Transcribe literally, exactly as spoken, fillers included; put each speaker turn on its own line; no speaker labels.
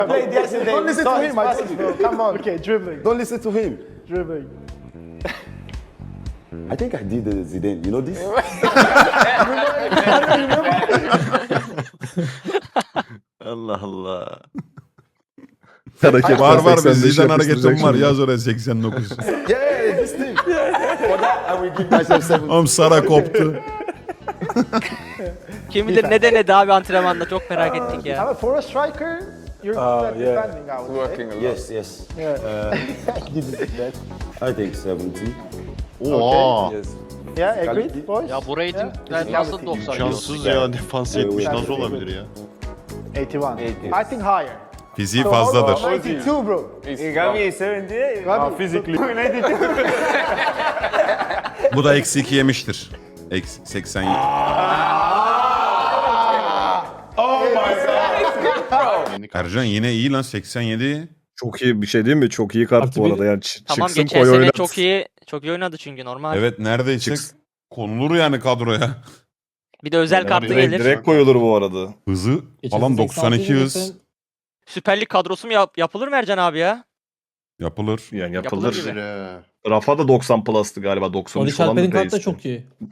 Played yesterday.
Don't listen
Saw
to
his
him, I
passes,
told
bro. Come on.
Okay, dribbling,
Don't listen to him.
dribbling.
I think I did the Zidane. You know this?
Allah Allah.
Hareket
Var var bir
seksen beş
Zidane
yapıştıracak
hareketim var.
şimdi.
Yaz oraya seksen dokuz.
Yeah, yeah, this thing. For that, I will give myself seven.
Oğlum Sara koptu.
Kim bilir ne denedi abi antrenmanda çok merak ettik ya.
Ama for a striker, you're
Uh,
good at
yeah.
defending, I would say.
Working a lot.
Yes, yes.
Yeah.
Uh,
Didn't do that.
I think seventy.
Oha.
Yes.
Yeah, agreed, boys?
Ya bu ratingler nasıl doksan?
Şanssız ya defans yetmiş nasıl olabilir ya?
eighty-one.
eighty.
I think higher.
Fiziği fazladır.
ninety-two, bro.
Gavi seventy.
Gavi.
Uh, physically.
Bu da eksi iki yemiştir. Eksi seksen yedi. Ercan yine iyi lan seksen yedi.
Çok iyi bir şey değil mi? Çok iyi kart bu arada. Yani ç-
Tamam
çıksın
geçen
koy
sene
oynat.
çok iyi çok iyi oynadı çünkü normal.
Evet neredeyse
Çıksın.
konulur yani kadroya.
Bir de özel kartı
Direkt,
gelir.
direkt koyulur bu arada.
Hızı falan doksan iki hız
Süper Lig kadrosu mu yap- yapılır mı Ercan abi ya?
yapılır.
Yani
Yapılır
yapılır.
gibi.
Rafa da doksan plus'tı galiba. doksan üç
Barış
falan da
Alper'in kartı da
pace'ti.
çok iyi.